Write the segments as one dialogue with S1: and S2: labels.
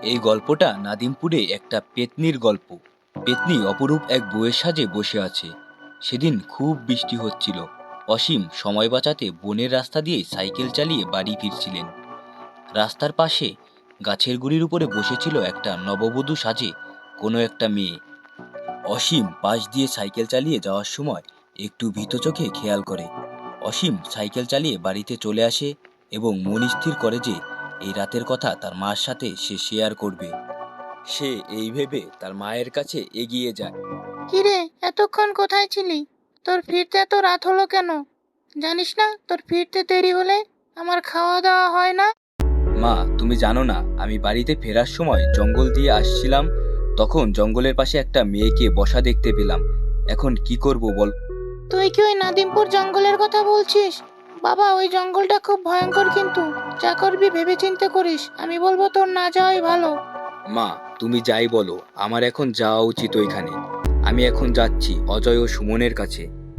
S1: এই গল্পটা নাদিমপুরে একটা পেত্নির গল্প। পেত্নী অপরূপ এক বউয়ের সাজে বসে আছে। সেদিন খুব বৃষ্টি হচ্ছিল। অসীম সময় বাঁচাতে বনের রাস্তা দিয়ে সাইকেল চালিয়ে বাড়ি ফিরছিলেন। রাস্তার পাশে গাছের গুড়ির উপরে বসেছিল একটা নববধূ সাজে কোনো একটা মেয়ে। অসীম পাশ দিয়ে সাইকেল চালিয়ে যাওয়ার সময় একটু ভীত চোখে খেয়াল করে। অসীম সাইকেল চালিয়ে বাড়িতে চলে আসে এবং মন স্থির করে যে এই রাতের কথা তার মার সাথে সে শেয়ার করবে। সে এই ভেবে তার মায়ের কাছে এগিয়ে যায়।
S2: কিরে, এতক্ষণ কোথায় ছিলি? তোর ফিরতে এত রাত হলো কেন? জানিস না তোর ফিরতে দেরি হলে আমার খাওয়া দাওয়া হয় না?
S1: মা, তুমি জানো না, আমি বাড়িতে ফেরার সময় জঙ্গল দিয়ে আসছিলাম, তখন জঙ্গলের পাশে একটা মেয়েকে বসা দেখতে পেলাম। এখন কি করব বল?
S2: তুই কি ওই নাদিমপুর জঙ্গলের কথা বলছিস? বাবা, ওই জঙ্গলটা খুব ভয়ঙ্কর, কিন্তু যা করবি ভেবে চিন্তে করিস। আমি বলবো তোর না যাওয়াই ভালো।
S1: মা, তুমি যাই বলো, আমার এখন যাওয়া উচিত ওইখানে। আমি এখন যাচ্ছি অজয় ও সুমনের কাছে।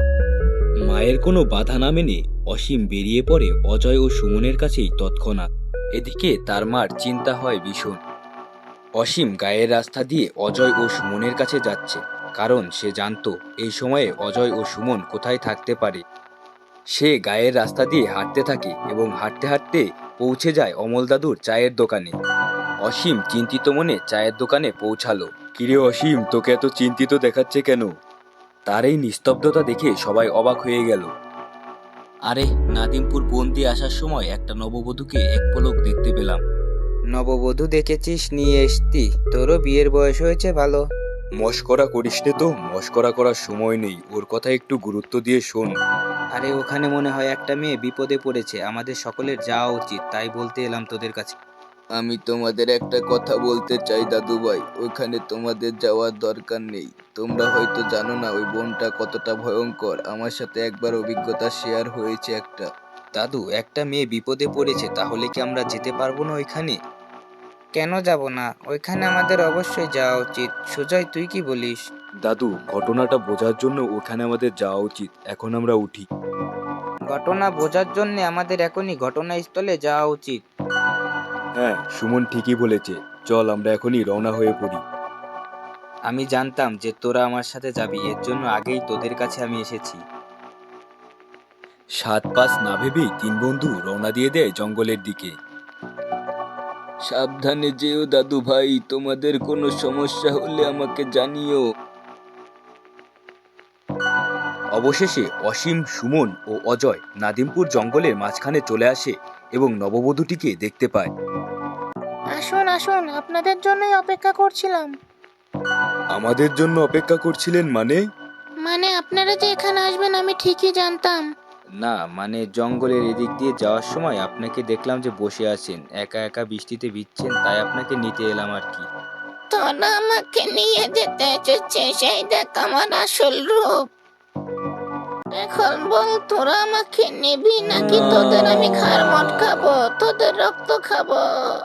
S1: মায়ের কোনো বাধা না মেনে অসীম বেরিয়ে পড়ে অজয় ও সুমনের কাছেই তৎক্ষণাৎ। এদিকে তার মার চিন্তা হয় ভীষণ। অসীম গায়ের রাস্তা দিয়ে অজয় ও সুমনের কাছে যাচ্ছে, কারণ সে জানতো এই সময়ে অজয় ও সুমন কোথায় থাকতে পারে। সে গায়ের রাস্তা দিয়ে হাঁটতে থাকে এবং হাঁটতে হাঁটতে পৌঁছে যায় অমল দাদুর চায়ের দোকানে। অসীম চিন্তিত মনে চায়ের দোকানে পৌঁছালো। কিরে অসীম, তোকে এত চিন্তিত দেখাচ্ছে কেন? তার এই নিস্তব্ধতা দেখে সবাই অবাক হয়ে গেল। আরে, নাদিমপুর বন দিয়ে আসার সময় একটা নববধূকে এক পলক দেখতে পেলাম।
S3: নববধূ দেখেছিস, নিয়ে এসতি? তোরও বিয়ের বয়স হয়েছে ভালো।
S1: মস্করা করিস নে তো, মস্করা করার সময় নেই, ওর কথা একটু গুরুত্ব দিয়ে শোন।
S3: আরে, ওখানে মনে হয় একটা মেয়ে বিপদে পড়েছে, আমাদের সকলের যাওয়া উচিত, তাই বলতে এলাম তোদের কাছে।
S4: আমি তোমাদের একটা কথা বলতে চাই দাদু ভাই, ওইখানে তোমাদের যাওয়ার দরকার নেই। তোমরা হয়তো জানো না ওই বনটা কতটা ভয়ঙ্কর। আমার সাথে একবার অভিজ্ঞতা শেয়ার হয়েছে একটা।
S3: দাদু, একটা মেয়ে বিপদে পড়েছে, তাহলে কি আমরা যেতে পারবো না ওইখানে? কেন যাব না? ওইখানে আমাদের অবশ্যই যাওয়া উচিত। সুজয়, তুই কি বলিস?
S1: দাদু, ঘটনাটা বোঝার জন্য ওখানে আমাদের যাওয়া উচিত। এখন আমরা উঠি।
S3: ঘটনা বোঝার জন্য আমাদের এখনই ঘটনাস্থলে যাওয়া উচিত।
S1: হ্যাঁ, সুমন ঠিকই বলেছে। চল আমরা এখনই রওনা হয়ে পড়ি।
S3: আমি জানতাম যে তোরা আমার সাথে যাবি, এর জন্য আগেই তোদের কাছে আমি এসেছি।
S1: সাত পাঁচ না ভেবেই তিন বন্ধু রওনা দিয়ে দেয় জঙ্গলের দিকে।
S4: সাবধানে যেও দাদু ভাই, তোমাদের কোনো সমস্যা হলে আমাকে জানিও।
S1: অবশেষে অসীম, সুমন ও অজয় নাদিমপুর জঙ্গলের মাঝখানে চলে আসে এবং নববধূটিকে দেখতে পায়।
S2: আসুন আসুন, আপনাদের জন্যই অপেক্ষা করছিলাম।
S1: আমাদের জন্য অপেক্ষা করছিলেন মানে?
S2: মানে আপনারা যে এখানে আসবেন আমি ঠিকই জানতাম।
S3: না, মানে জঙ্গলের এদিক দিয়ে যাওয়ার সময় আপনাকে দেখলাম যে বসে আছেন, একা একা বৃষ্টিতে ভিজছেন, তাই আপনাকে নিতে এলাম আর কি।
S2: তোরা আমাকে নিয়ে যেতে এসেছিস, সেই দেখ আমার আসল রূপ। এখন বল, তোরা আমাকে নিবি নাকি তোদের আমি ঘাড় মটকাবো, তোদের রক্ত খাবো?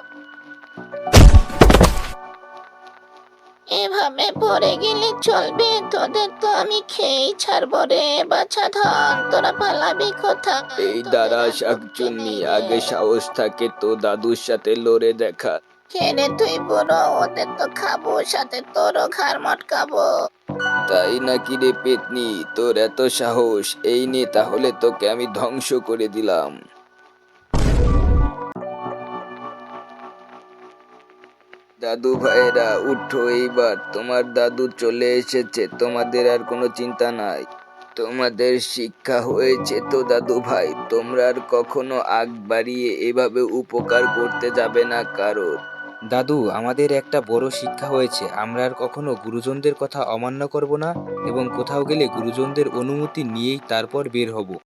S2: এভাবে পড়ে গেলে চলবে? তোদের তো আমি খেয়েই ছাড়বো রে বাছাধন। তোরা পালাবি কোথায়?
S4: এই দাঁড়া শাকচুন্নি, আগে সাহস থাকে তো দাদুর সাথে লড়ে দেখা।
S2: কে রে তুই বুড়ো? ওদের তো খাবো, সাথে তোরও ঘাড় মটকাবো।
S4: তাই নাকি রে পেতনি, তোর এত সাহস? এই নে, তাহলে তোকে আমি ধ্বংস করে দিলাম। দাদু ভাইরা উঠো এইবার, তোমার দাদু চলে এসেছে, তোমাদের আর কোনো চিন্তা নাই। তোমাদের শিক্ষা হয়েছে তো দাদু ভাই, তোমরা আর কখনো আগ বাড়িয়ে এভাবে উপকার করতে যাবে না কারোর।
S3: দাদু, আমাদের একটা বড় শিক্ষা হয়েছে, আমরা আর কখনো গুরুজনদের কথা অমান্য করব না এবং কোথাও গেলে গুরুজনদের অনুমতি নিয়েই তারপর বের হব।